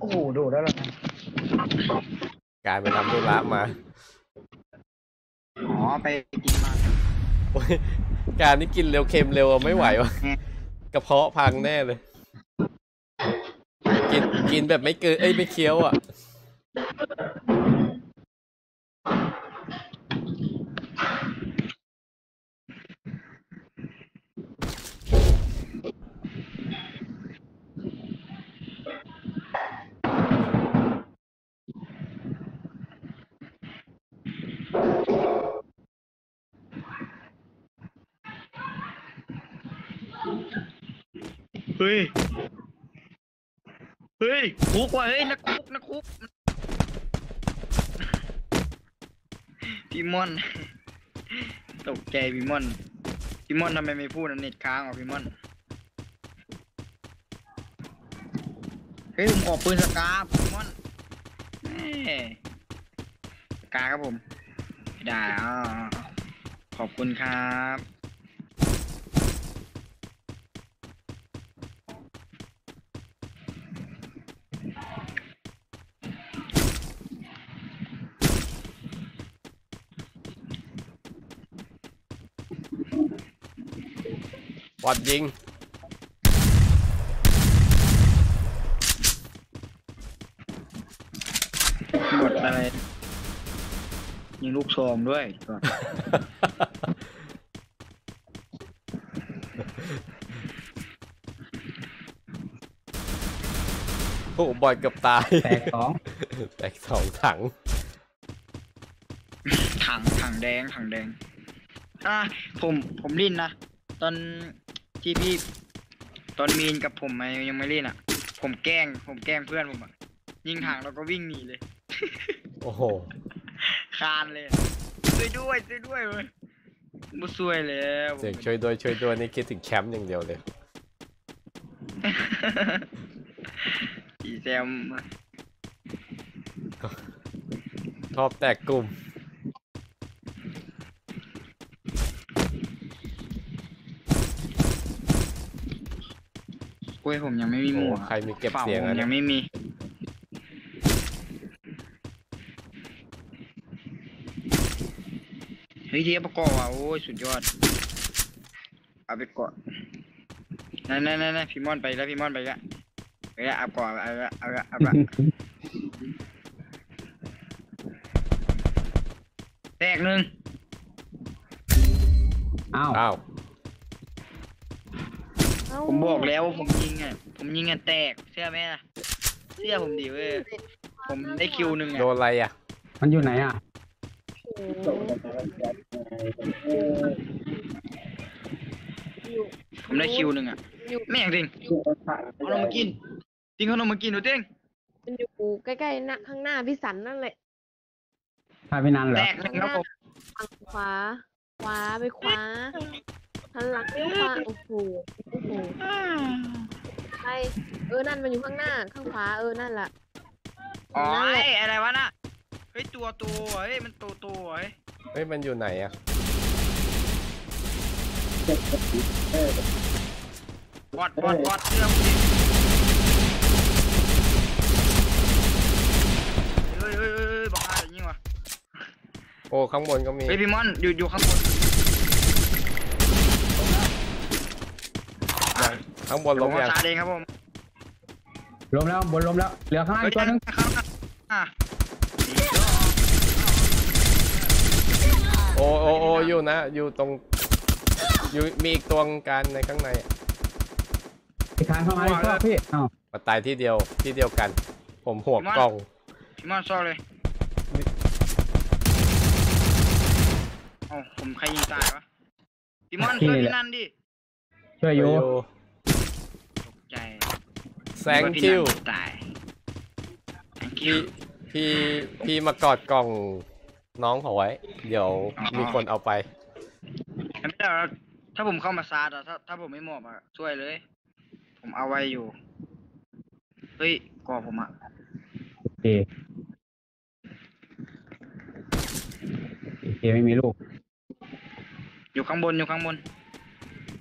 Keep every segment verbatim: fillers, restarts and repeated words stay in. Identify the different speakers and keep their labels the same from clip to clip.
Speaker 1: อ้โหดูแล้วล่ะ
Speaker 2: การไปทำธุระมา
Speaker 1: อ๋อไปกินมา
Speaker 2: โอ้ยการนี่กินเร็วเค็มเร็วไม่ไหววะกระเพาะพังแน่เลยกินกินแบบไม่เกินเอ้ยไม่เคี้ยวอ่ะ
Speaker 1: เฮ้ยเฮ้ยคุกว่ะเฮ้ยนักคุกนักคุกพี่ม่อนตกใจพี่ม่อนพี่ม่อนทำไมไม่พูดนะเน็ตค้างอ่ะพี่ม่อนเฮ้ยผมออกปืนสกาพี่ม่อนสกาครับผมได้อ่าขอบคุณครับ
Speaker 2: บอดยิง
Speaker 1: หมดอะไรยิงลูกซองด้วยก่อน
Speaker 2: โอ้บอดเกือบตาย
Speaker 3: แตกสอง
Speaker 2: แตกสองถัง
Speaker 1: ถังถังแดงถังแดงอ่ะผมผมลิ้นนะตอนที่พี่ตอนมีนกับผมยังไม่เล่นอ่ะผมแกล้งผมแกล้งเพื่อนผมอ่ะยิงถังแล้วก็วิ่งหนีเลย
Speaker 2: โอ้โห
Speaker 1: คานเลยช่วยด้วยช่วยด้วยเว้ยบุช่วยแล้ว
Speaker 2: เสียงช่วยด้วยช่วยด้วยนี่คิดถึงแคมป์อย่างเดียวเลย
Speaker 1: อีแซม
Speaker 2: ชอบแตกกลุ่ม
Speaker 1: กล้วยผมยังไม่มีหมู่
Speaker 2: ใครมีเก็บเสียงอะ
Speaker 1: ยังไม่มีเฮ้ยเทียบประกอบอ่ะโอ้ยสุดยอดเอาไปก่อนนั่นนั่นนั่นพี่ม่อนไปแล้วพี่ม่อนไปแล้วไปแล้วเอาก่อนเอาละเอาละเอาละแตกหนึ่ง
Speaker 3: อ้าว
Speaker 2: อ้าว
Speaker 1: ผมบอกแล้วผมยิงอ่ะผมยิงอ่ะแตกเชื่อไหมล่ะเชื่อผมดิเว้ยผมได้คิวหนึ่งอ่ะ
Speaker 2: โดนอะไรอ่ะ
Speaker 3: มันอยู่ไหนอ่ะ
Speaker 1: ผมได้คิวหนึ่งอ่ะไม่อย่างจริงเอาลงมากินจริงเขาลงมากินหนูเต้ง
Speaker 4: มันอยู่ใกล้ๆหน้าข้างหน้าพี่สันนั่นแหละ
Speaker 3: พาไปนานเหรอ
Speaker 1: แตกหนึ่งครับผม
Speaker 4: ฝั่งขวาขวาไปขวาหันหลังไปขวาโอ้โหโอ้โหใช่เออนั่นมันอยู่ข้างหน้าข้างขวาเออนั่นแหละ
Speaker 1: อ๋ออะไรวะน่ะเฮ้ยตัวตัวเฮ้ยมันตัวตัวเฮ้ย
Speaker 2: เฮ้ยมันอยู่ไหนอ่ะ
Speaker 1: บอดบอดบอดเรื่องเฮ้ยเฮ้ยเฮ้ยบอกอะไรยิ่งวะ
Speaker 2: โอ้ข้างบนก็มี
Speaker 1: เฮ้ยพี่มอนอยู่อยู่ข้างบน
Speaker 2: ข้างบนล้มยัง
Speaker 1: เองครับผม
Speaker 3: ล้มแล้วบนล้มแล้วเหลือข้างล่างตัวนึง
Speaker 2: โอ้โอ้โอ้อยู่นะอยู่ตรงอยู่มีอีกตัวการในข้างใน
Speaker 3: ไปทางเข้ามาอีกรอบพี่อ้าว
Speaker 2: มาตายที่เดียวที่เดียวกันผมหัวกล้อง
Speaker 1: พี่มอนซ่อเลยอ๋อผมใครยิงตายวะพี่มอนช่วยพี่นันดิ
Speaker 3: ช่วยอยู่
Speaker 1: ตกใจ
Speaker 2: thank you
Speaker 1: ตาย
Speaker 2: พี่พี่พี่มากอดกล่องน้องเขาไว้เดี๋ยวมีคนเอาไป
Speaker 1: ไม่ได้ถ้าผมเข้ามาซาดอะถ้าถ้าผมไม่มอบอะช่วยเลยผมเอาไว้อยู่เฮ้ยกอผมอะ
Speaker 3: โอเคโอเคไม่มีลูก
Speaker 1: อยู่ข้างบนอยู่ข้างบน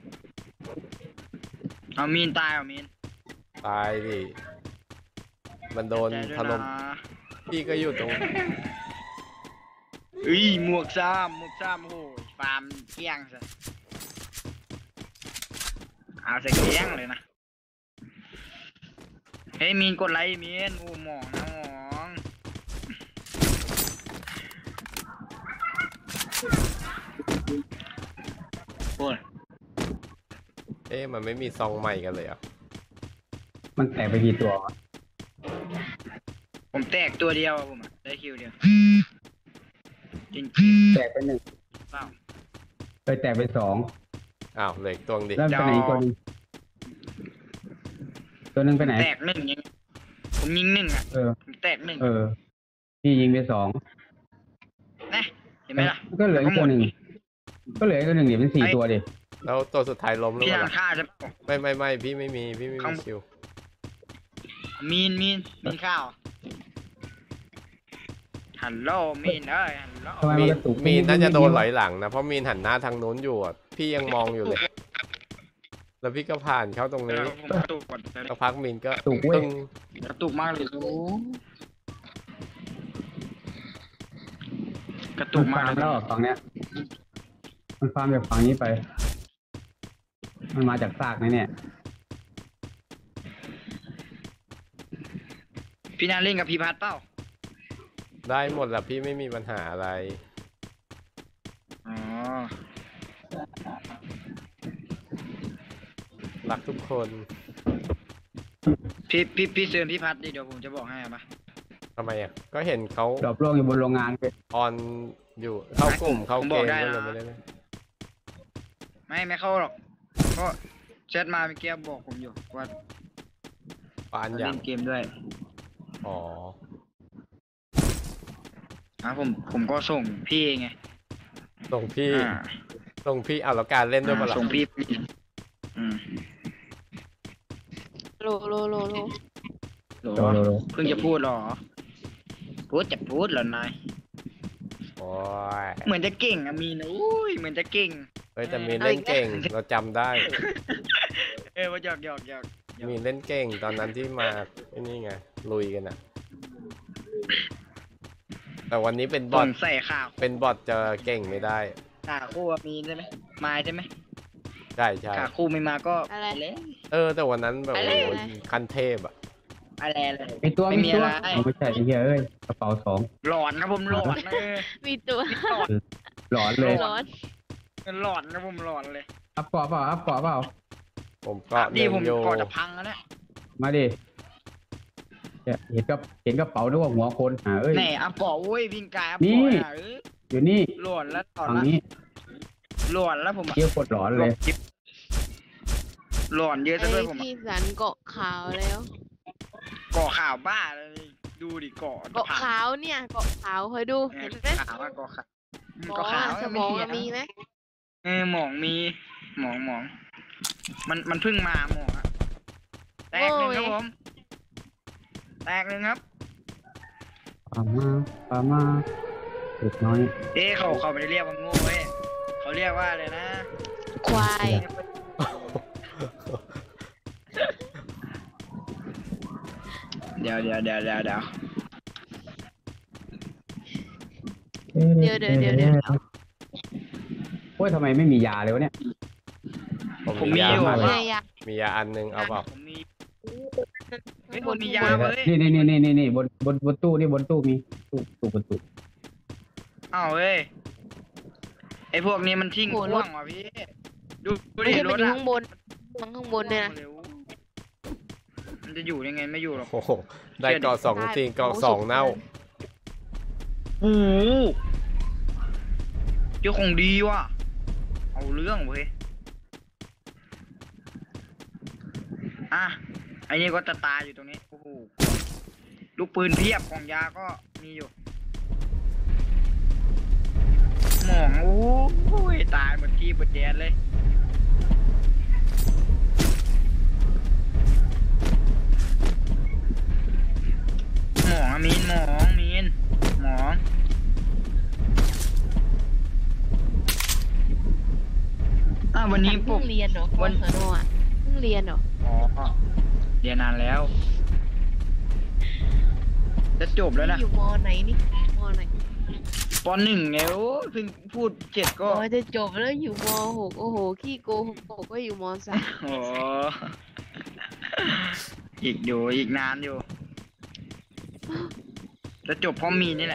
Speaker 1: เอามีนตายเอามีน
Speaker 2: ตายดิมันโดน
Speaker 1: ใจด้วย
Speaker 2: ถล่ม
Speaker 1: นะ
Speaker 2: พี่ก็อยู่ตรง
Speaker 1: เอ้ยหมวกซ้ำหมวกซ้ำโอ้ยฟาร์มเกลี้ยงซะเอาใส่เกลี้ยงเลยนะเฮ้ยมีนกดไลค์มีนโอ้หมองนะหมองโอ้ย
Speaker 2: เอ๊ะมันไม่มีซองใหม่กันเลยเหรอ่ะ
Speaker 3: มันแตกไปกี่ตัววะ
Speaker 1: ผมแตกตัวเดียวอะผมอะได้คิวเดียวจริง
Speaker 3: แตกไปหนึ่ง
Speaker 1: ๆเปล่า
Speaker 3: เคยแตกไปสอง
Speaker 2: อ้าวเหล็กตัวดิ
Speaker 3: แล้วไปไหนอีกตัวหนึงตัวหนึงไปไหน
Speaker 1: แตกหนึ่งยังผมยิงหนึ่งอ่ะ
Speaker 3: เออ
Speaker 1: ผมแตกหนึ่ง
Speaker 3: เออพี่ยิงไปสอง
Speaker 1: นะเห็นไหมล่ะ
Speaker 3: ก็เหลืออีกตัวหนึ่งก็เหลืออีกตัวหนึ่งเดี๋ยวเป็นสี่ตัวดิ
Speaker 2: แล้วตัวสุดท้ายล้มหรือ
Speaker 1: พี่
Speaker 2: เป
Speaker 1: ทา
Speaker 2: ล่าง
Speaker 1: ฆ่าใช่ปะ
Speaker 2: ไม่ไม่ไม่พี่ไม่มีพี่ไม่มีคิว
Speaker 1: มีนมีนมีนข้าวฮัลโหลมีนเอ้ยฮัลโหล
Speaker 3: ทำไม
Speaker 2: มี
Speaker 3: มันกระตุก
Speaker 2: มีน่าจะโดนไหลหลังนะเพราะมีนหันหน้าทางนู้นอยู่อ่ะพี่ยังมองอยู่เลย แล้วพี่ก็ผ่านเข้าตรง
Speaker 1: เอ
Speaker 2: นี้
Speaker 1: อผมกระตุกก่อน
Speaker 2: สักพักมีนก็
Speaker 3: ตุกเว้ย
Speaker 2: ตึ้ง
Speaker 1: กระตุกมากเลยโอ้กระตุ
Speaker 3: มั
Speaker 1: ก
Speaker 3: น
Speaker 1: มาก
Speaker 3: ฟาร์ม
Speaker 1: เลย
Speaker 3: แล้วฝั่งเนี้ย มันฟาร์มจากฝั่งนี้ไป มันมาจากซากนะเนี่ย
Speaker 1: พี่นาเล่นกับพี่พัดเปล่า
Speaker 2: ได้หมดแหละพี่ไม่มีปัญหาอะไร
Speaker 1: อ๋อ
Speaker 2: รักทุกคน
Speaker 1: พี่พี่พี่เชิญพี่พัดดิเดี๋ยวผมจะบอกให้เอาปะ
Speaker 2: ทำไมอ่ะก็เห็นเขา
Speaker 3: ดรอปล่วงอยู่บนโรงงานไป
Speaker 2: ออนอยู่เข้ากลุ่มเข้า
Speaker 1: ผม
Speaker 2: เก
Speaker 1: บอก
Speaker 2: ม
Speaker 1: ได้
Speaker 2: ก็เลย
Speaker 1: นะ
Speaker 2: ไม่ได้เล่น
Speaker 1: ไม่ไม่เข้าหรอกก็แชทมาเมื่อกี้บอกผมอยู่ว่า
Speaker 2: ปานอ
Speaker 1: เล่
Speaker 2: ย่าง
Speaker 1: นเกมด้วย
Speaker 2: อ๋อ
Speaker 1: อ่ะผมผมก็ส่งพี่ไง
Speaker 2: ส่งพี่
Speaker 1: อ่า
Speaker 2: ส่งพี่เอาแล้วการเล่นด้วยปะล่ะ
Speaker 1: ส่งพี่อืม
Speaker 4: โลโลโลโล
Speaker 1: โหล
Speaker 3: โดโดโด
Speaker 1: เพิ่งจะพูดเหรอ พูดจะพูดเหรอนาย
Speaker 2: โอ้ย
Speaker 1: เหมือนจะเก่งอะมีนะอุ้ยเหมือนจะเก่ง
Speaker 2: เฮ้ยแต่มีนเล่นเก่งเราจำได้
Speaker 1: เออว่าหยอกหยอกหยอกหยอก
Speaker 2: มีนเล่นเก่งตอนนั้นที่มาไอ้นี่ไงลุยกันอ่ะ แต่วันนี้เป็นบ
Speaker 1: ส่
Speaker 2: อท
Speaker 1: งใส่ข่าว
Speaker 2: เป็นบอทจะเก่งไม่ได้
Speaker 1: ข่าวคู่อะมีใช่ไหมมาใช่ไหม
Speaker 2: ใช่ใช่
Speaker 1: ข่าวคู่ไม่มาก็
Speaker 4: อะไร
Speaker 1: เลย
Speaker 2: เออ แต่วันนั้นแบบ
Speaker 1: อะไร
Speaker 2: โอ้โหคันเทพอ่ะ
Speaker 1: อะไรเลย
Speaker 3: มีตัว
Speaker 1: ไม่
Speaker 3: มี
Speaker 1: มี
Speaker 3: ตัว
Speaker 1: อะไร
Speaker 3: เอาไม่ใช่ไอ้เหี้ยเอ้ยกระเป๋าสอง
Speaker 1: หลอนนะผมหลอนนะเออ
Speaker 4: มีตัว
Speaker 1: หลอน
Speaker 3: หลอนเลย
Speaker 4: ร้อน
Speaker 1: หลอนนะผมหลอนเลย
Speaker 3: อัพเกาะเปล่าอัพเกาะเปล่า
Speaker 2: ผมก็
Speaker 1: ดี
Speaker 2: เล่น
Speaker 1: ผม
Speaker 2: โย
Speaker 1: ก่อนจะพังแล้วเนี่ย
Speaker 3: มาดิเนี่ยเห็นกับเห็นกระเป๋านึกว่าหัวคนหาเอ้ย
Speaker 1: แหน่อะปอโว้ยวิ่งกายอะ
Speaker 3: นี่
Speaker 1: ปออะเออ
Speaker 3: อยู่นี่
Speaker 1: หลอนแล้วหลอน
Speaker 3: ฝั่ง
Speaker 1: แล้ว
Speaker 3: นี้
Speaker 1: หลอนแล้วผมอะ
Speaker 3: เที่ยวกดหลอนเลย
Speaker 1: หลอนเยอะซะ
Speaker 4: ไอ้
Speaker 1: ด้วยผมอะ
Speaker 4: พี่สันเกาะขาวแล้ว
Speaker 1: เกาะข่าวบ้าเลยดูดิเกาะ
Speaker 4: เกาะขาวเนี่ยเกาะขาวคอยดู
Speaker 1: เอ
Speaker 4: เห็
Speaker 1: อน
Speaker 4: ไหม
Speaker 1: ขาวอะเกาะขาวอืม
Speaker 4: หมอ
Speaker 1: เกาะขาว
Speaker 4: อะสม
Speaker 1: ไม่
Speaker 4: อง
Speaker 1: เถีย
Speaker 4: อะมีไหม
Speaker 1: เออหมองมีหมองหมอง มันมันเพิ่งมาหมองอะแตกหนึ่งครับผม แตกหนึ่งครับ
Speaker 3: ปามาปามาเด็กน้อย
Speaker 1: เอ๊ะเขาเขาไม่ได้เรียกว่าโง่เว้ยเขาเรียกว่าอะไรนะ
Speaker 4: ควาย
Speaker 1: เดี๋ยวเดี๋ยวเดี๋ยวเดี๋ยวเดี๋ยว
Speaker 4: เดี๋ยวเดี๋ยวเดี๋ยวเดี๋ยว
Speaker 3: โอ้ยทำไมไม่มียาเลยวะเนี่ย
Speaker 2: ผม
Speaker 1: ผม
Speaker 2: มี
Speaker 1: มี
Speaker 2: ยา
Speaker 1: อยู่
Speaker 3: มากเลย
Speaker 4: เนี่ยยา
Speaker 2: มียาอันนึงเอาเปล่า
Speaker 1: ผมมี เฮ้
Speaker 4: ข้าย ง
Speaker 1: ผ
Speaker 4: บ
Speaker 1: ม
Speaker 4: น
Speaker 1: มี
Speaker 4: ข้างบ
Speaker 1: ยาน เว้ย
Speaker 3: นี่นี่นี่นี่นี่บนบนบนตู้นี่บนตู้มีตู้ตู้บนตู้
Speaker 1: อ้าวเว้ยไอพวกนี้มันทิ้ง
Speaker 4: โห
Speaker 1: ข
Speaker 4: ร
Speaker 1: ว้า
Speaker 4: ถ
Speaker 1: งว่ะพี่ ดูดู
Speaker 4: ไม่
Speaker 1: ดิ
Speaker 4: ใช่
Speaker 1: ร
Speaker 4: มัน
Speaker 1: ถ
Speaker 4: อยู่
Speaker 1: อะ
Speaker 4: ข้างบนมันข้างบนเนี่ยนะ
Speaker 1: เร็วมันจะอยู่ยังไงไม่อยู่หรอก
Speaker 2: โอ้โหได้เกาะสองจริงเกาะสองเน่า
Speaker 1: โอ้โหเจ้าของดีว่ะ เอาเรื่องเว้ย อ่ะไอ้นี่ก็จะตายอยู่ตรงนี้ โอ้โห ลูกปืนเพียบของยาก็มีอยู่ หมองโอ้ยตายหมดที่หมดแดนเลย หมองอะมีนหมองมีนหมองอ่ะวันนี้ผ
Speaker 4: เพิ่
Speaker 1: ม
Speaker 4: งเรียนเหรอ
Speaker 1: วัน
Speaker 4: สนอ่ะเพิ่งเรียนเหรอ
Speaker 1: อ๋อเรียนนานแล้วจะจบแล้วนะ
Speaker 4: อยู่มอไหนนี่มอไหน
Speaker 1: ปหนึ่งไงโอ้ยเพิ่งพูดเจ็ดก็
Speaker 4: อ๋อจะจบแล้วอยู่มหกโอ้โหขี้โกหกก็อยู่มสาม
Speaker 1: โอ้อีกอยู่อีกนานอยู่ จะจบเพราะมีนี่แหละ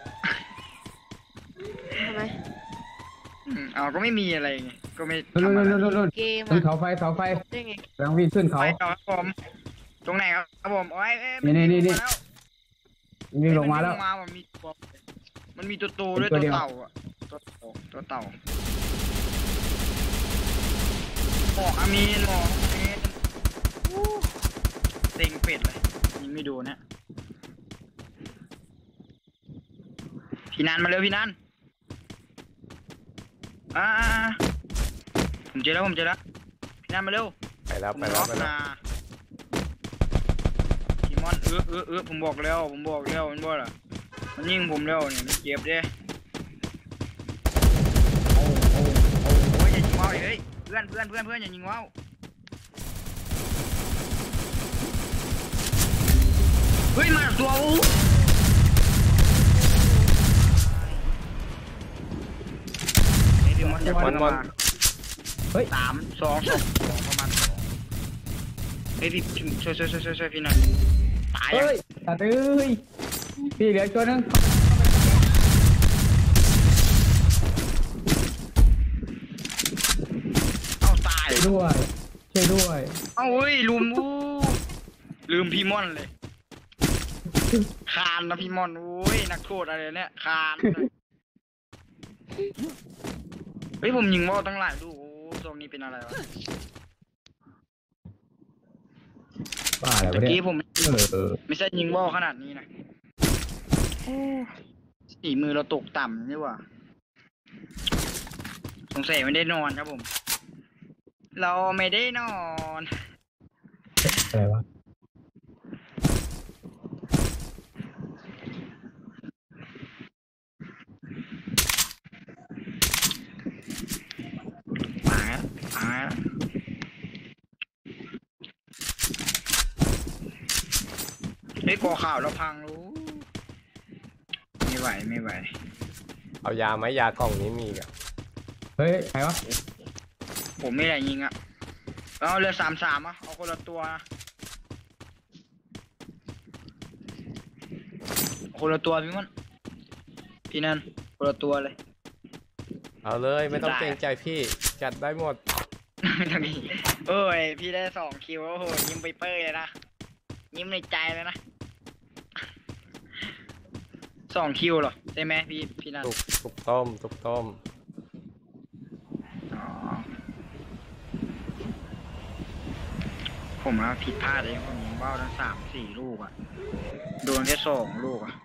Speaker 4: ทำไม
Speaker 1: อืมเอาก็ไม่มีอะไรไงก็ไม่
Speaker 3: นู่น
Speaker 1: ทำอะไร
Speaker 3: นู่นนู่นนู่น
Speaker 4: เกม
Speaker 3: ขึ้น
Speaker 4: อะ
Speaker 3: เขาไฟเสาไฟ
Speaker 4: ได้ไง
Speaker 3: กำลังวิ่งขึ้นเขา
Speaker 1: ไปต่อครับผมตรงไหนครับผมโอ้ยเอ้ย
Speaker 3: นี่นี่นี่
Speaker 1: มัวิ่งมาแล้ว
Speaker 3: วิ่งลงมาแล้ว
Speaker 1: นงมามันมีตัวมันมีตัวโตด้วย
Speaker 3: เป็นตั
Speaker 1: ตัว ว
Speaker 3: เดียว
Speaker 1: เต่าอ่ะตัวเต่าตัวเต่าหมอกอามีนหมอกอามีนอู้เต็งเป็ดเลยยิงไม่ดูนะพี่นันมาเร็วพี่นันอ่าผมเจอแล้วผมเจอแล้วพี่นันมาเร็ว
Speaker 2: ไปแล้ว
Speaker 1: ผม
Speaker 2: ไปแล้
Speaker 1: ล็
Speaker 2: ว
Speaker 1: อก
Speaker 2: ไปแล้ว
Speaker 1: นะทีมอนเออเออเออผมบอกแล้วผมบอกแล้วมันบอกล่ะมันยิงผมแล้วเนี่ยมันเจ็บเด้โอ้โอ้โอ้โอ้ยอย่ายิงว่าวเลยเฮ้ยเพื่อนเพื่อนเพื่อนเพื่อนอย่ายิงว่าวเฮ้ยมาตัวอู้ไอ้ดิมอนจะ
Speaker 2: มอนมอน
Speaker 3: เฮ้ย
Speaker 1: สามสองสองสองประมาณสองเฮ้ยพี่ช่วยช่วยช่วยช่วยช่วยพี่หน่อยตาย
Speaker 3: เฮ้
Speaker 1: อ่ะ
Speaker 3: ยตัดเอ้ยพี่เหลือตัวนึง
Speaker 1: เอาตาย
Speaker 3: ช่วยด้วยช่วยด้วย
Speaker 1: เอาเฮ้ยลืมอู้ลืมพี่ม่อนเลยคานนะพี่ม่อนโอ้ยนักโทษอะไรเนี่ยคานเลยเฮ้ยผมยิงว่าวตั้งหลายดูกโอ้ตรงนี้เป็นอะไรวะ
Speaker 3: บ้าอะไร
Speaker 1: ตะ
Speaker 3: วะเนี่
Speaker 1: กี้
Speaker 3: ย
Speaker 1: ผม
Speaker 3: เออเออ
Speaker 1: ไม่ใช่ยิงว่าวขนาดนี้นะโอ้สีมือเราตกต่ำนี่หว่าสงสัยไม่ได้นอนครับผม เราไม่ได้นอน
Speaker 3: อะไรวะ
Speaker 1: มาแล้วมาแล้วเฮ้ยกอข่าวเราพังรู้ไม่ไหวไม่ไหว
Speaker 2: เอายาไหมยากล่องนี้มีอีกอะ
Speaker 3: เฮ้ยใครวะ
Speaker 1: ผมไม่ได้ยิงอ่ะเอาเรือสามสามอ่ะเอาคนละตัวนะเอาคนละตัวพี่มันพี่นั่นคนละตัวเลย
Speaker 2: เอาเลยไม่ต้อง
Speaker 1: ได้
Speaker 2: เกรงใจพี่จัดได้หมด
Speaker 1: ไม่ต้องยิงเอ้ยพี่ได้สองคิวโอ้โหยิ้มไปเป้ยเลยนะยิ้มในใจเลยนะสองคิวเหรอใช่ไหมพี่พี่นั่น
Speaker 2: ตุกตุกต้มตุกต้ม
Speaker 1: อ๋อผมว่าผิดพลาดเองผมยิงเบ้าทั้งสามสี่ลูกอะโดนแค่สองลูกอะ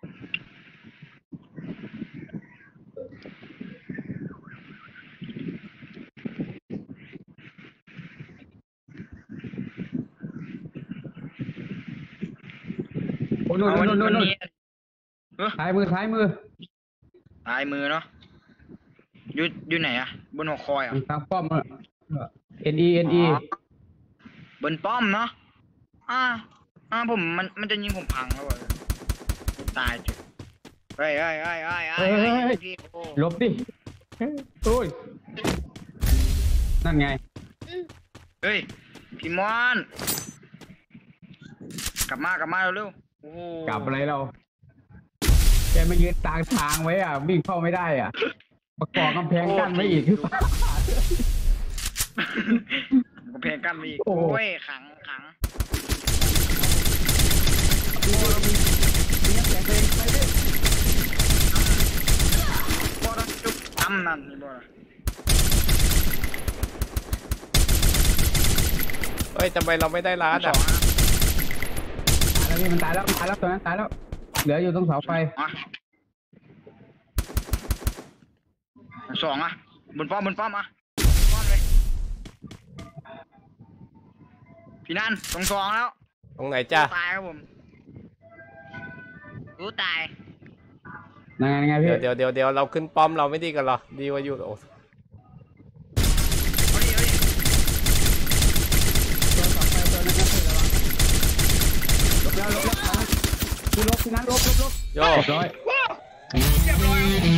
Speaker 3: โอ้นู่น
Speaker 1: เอาวัน
Speaker 3: นู่นนู่นนู่น
Speaker 1: นี้เออ
Speaker 3: ซ้ายมือซ้ายมือ
Speaker 1: ตายมือเนาะอยู่อยู่ไหนอะบนหัวคอยอะ
Speaker 3: ทางป้อมอ่ะ N E N E
Speaker 1: บนป้อมเนาะอ่าอ่าผมมันมันจะยิงผมพังแล้วอะตายจุดเฮ้ยเฮ้ยเฮ้ยเฮ้ยเฮ้ยเฮ้ยพี่โอ้
Speaker 3: หลบดิโอ้ยนั่นไง
Speaker 1: เฮ้ยพี่มอนกลับมากลับมาเร็วๆโอ้โห
Speaker 3: กลับอะไรเราแกมายืนตางทางไว้อ่ะวิ่งเข้าไม่ได้อ่ะประกอบกำแพงกั้นไว้อีกคือเปล่าก
Speaker 1: ำแพงกั้นไปอีก
Speaker 3: โอ้
Speaker 1: โอ้
Speaker 3: โห
Speaker 1: ยขังขัง
Speaker 3: มีน้ำแข็งเลยไปดิ
Speaker 1: บอลจุ๊บตำนั่นนี่บอล
Speaker 2: เฮ้ยทำไมเราไม่ได้ร้าน
Speaker 1: สอ
Speaker 2: อ่ะ
Speaker 1: งอ่ะ
Speaker 3: ตายแล้วพี่มันตายแล้วตายแล้วตัวนั้นตายแล้วเหลืออยู่ตรงเสาไฟ
Speaker 1: อ่ะสองอ่ะบนป้อมบนป้อมอ่ะป้อมเลยพี่นันตรงสองแล้ว
Speaker 2: ตรงไหนจ้า
Speaker 1: ตายครับผมรู้ตาย
Speaker 3: ยังไงยังไงพี่
Speaker 2: เดี๋ยวเดี๋ยวเดี๋ยวเราขึ้นป้อมเราไม่ดีกันเหรอดีกว่าอยู่โอ้
Speaker 1: เอาดิเอาดิ
Speaker 3: ตัวเสาไฟตัวนั้นก็คือระวังหลบแล้วหลบแล้วพี่ลบพี่นั้นลบลบลบ
Speaker 2: โย
Speaker 3: เรียบร้อย
Speaker 1: เรียบร้อย